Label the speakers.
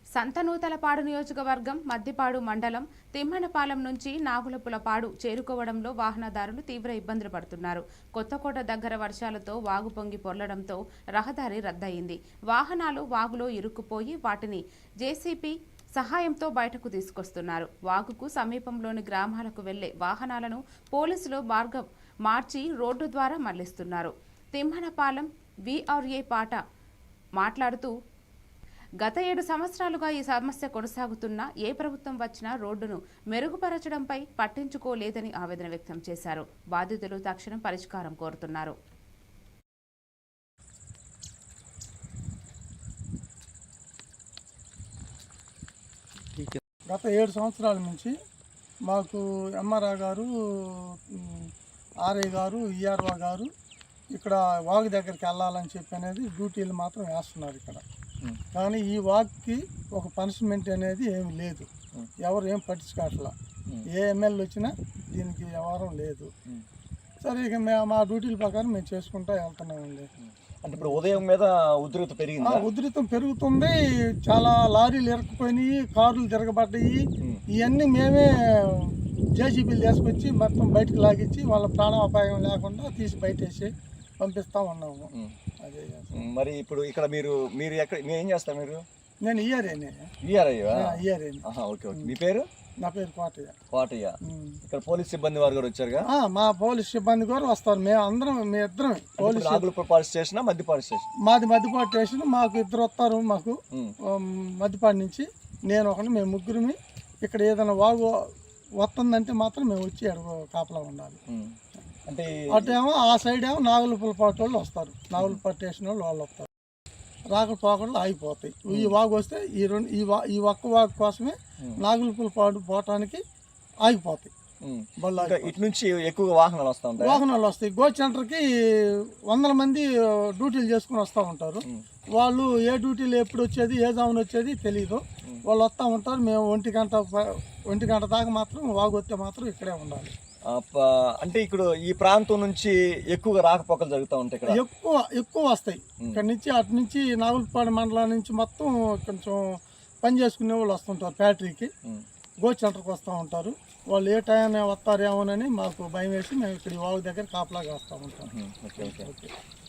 Speaker 1: సంతనూతలపాడు నియోజకవర్గం మద్దిపాడు మండలం తిమ్మనపాలెం నుంచి నాగులపులపాడు చేరుకోవడంలో వాహనదారులు తీవ్ర ఇబ్బందులు పడుతున్నారు. కొత్తకోట దగ్గర వర్షాలతో వాగు పొంగి పొర్లడంతో రహదారి రద్దయింది. వాహనాలు వాగులో ఇరుక్కుపోయి వాటిని జేసీబీ సహాయంతో బయటకు తీసుకొస్తున్నారు. వాగుకు సమీపంలోని గ్రామాలకు వెళ్లే వాహనాలను పోలీసులు మార్గం మార్చి రోడ్డు ద్వారా మళ్లిస్తున్నారు. తిమ్మనపాలెం వీఆర్ఏ పాట మాట్లాడుతూ గత 7 సంవత్సరాలుగా ఈ సమస్య కొనసాగుతున్నా ఏ ప్రభుత్వం వచ్చినా రోడ్డును మెరుగుపరచడంపై పట్టించుకోలేదని ఆవేదన వ్యక్తం చేశారు. బాధితులు తక్షణం పరిష్కారం కోరుతున్నారు.
Speaker 2: గత 7 సంవత్సరాల నుంచి మాకు ఎంఆర్ఆ గారు, ఆర్ఐ గారు, ఈఆర్ఓ గారు ఇక్కడ వాగు దగ్గరికి వెళ్ళాలని చెప్పి అనేది డ్యూటీలు మాత్రం వేస్తున్నారు ఇక్కడ. కానీ ఈ వాక్కి ఒక పనిష్మెంట్ అనేది ఏమి లేదు, ఎవరు ఏం పట్టించుకోవట్లా. ఏ ఎమ్మెల్యే వచ్చినా దీనికి వ్యవహారం లేదు. సరే ఇక మేము మా డ్యూటీల ప్రకారం మేము చేసుకుంటూ వెళ్తున్నామండి.
Speaker 3: అంటే ఇప్పుడు ఉదయం మీద ఉధృతం పెరిగింది.
Speaker 2: ఉధృతం పెరుగుతుంది. చాలా లారీలు ఇరుక్కుపోయినాయి, కార్లు తిరగబడ్డాయి. ఇవన్నీ మేమే జేసీబీలు తీసుకొచ్చి మొత్తం బయటకు లాగించి వాళ్ళ ప్రాణాపాయం లేకుండా తీసి బయటేసి పంపిస్తా ఉన్నాము. అదే
Speaker 3: మరి ఇప్పుడు ఇక్కడ మీరు ఎక్కడ ఏం చేస్తారు? మీరు
Speaker 2: నేను ఈఆర్ఏ.
Speaker 3: Okay okay. మీ పేరు?
Speaker 2: నా పేరు
Speaker 3: కోటయ్య. ఇక్కడ పోలీస్ సిబ్బంది వారు కూడా వచ్చారుగా?
Speaker 2: మా పోలీస్ సిబ్బంది కూడా వస్తారు. మీ ఇద్దరం పోలీస్
Speaker 3: స్టేషన్, మద్దిపాడు స్టేషన్.
Speaker 2: మాది మద్దిపాడు స్టేషన్. మాకు ఇద్దరు వస్తారు. మాకు మద్దిపాడు నుంచి నేను ఒకటి, మేము ముగ్గురిమి. ఇక్కడ ఏదైనా వాగు వస్తుందంటే మాత్రం మేము వచ్చి కాపలా ఉండాలి.
Speaker 3: అంటే
Speaker 2: అటేమో ఆ సైడ్ ఏమో నాగులపులపాటు వాళ్ళు వస్తారు, నాగులపాటు స్టేషన్ వాళ్ళు వస్తారు. రాకపోకళ్ళు ఆగిపోతాయి. ఈ వాగు వస్తే ఈ ఒక్క వాగు కోసమే నాగులపులపాడు పోవటానికి ఆగిపోతాయి.
Speaker 3: ఇటు నుంచి ఎక్కువగా వాహనాలు
Speaker 2: వస్తాయి. గో సెంటర్కి 100 మంది డ్యూటీలు చేసుకుని వస్తూ ఉంటారు. వాళ్ళు ఏ డ్యూటీలు ఎప్పుడు వచ్చేది, ఏ జామున వచ్చేది తెలియదు. వాళ్ళు వస్తూ ఉంటారు. మేము 1 గంట దాకా మాత్రం వాగు వస్తే మాత్రం ఇక్కడే ఉండాలి.
Speaker 3: అంటే ఇక్కడ ఈ ప్రాంతం నుంచి ఎక్కువగా రాకపోకలు జరుగుతూ ఉంటాయి. ఇక్కడ
Speaker 2: ఎక్కువ వస్తాయి. ఇక్కడ నుంచి అటు నుంచి నాగులపాడు మండలం నుంచి మొత్తం కొంచెం పని చేసుకునే వాళ్ళు వస్తుంటారు. ఫ్యాక్టరీకి గో సెంటర్కి వస్తూ ఉంటారు. వాళ్ళు ఏ టైం వస్తారేమోనని మాకు భయం వేసి మేము ఇక్కడ వాగు దగ్గర కాపలాగా వస్తూ ఉంటాం.
Speaker 3: Okay okay.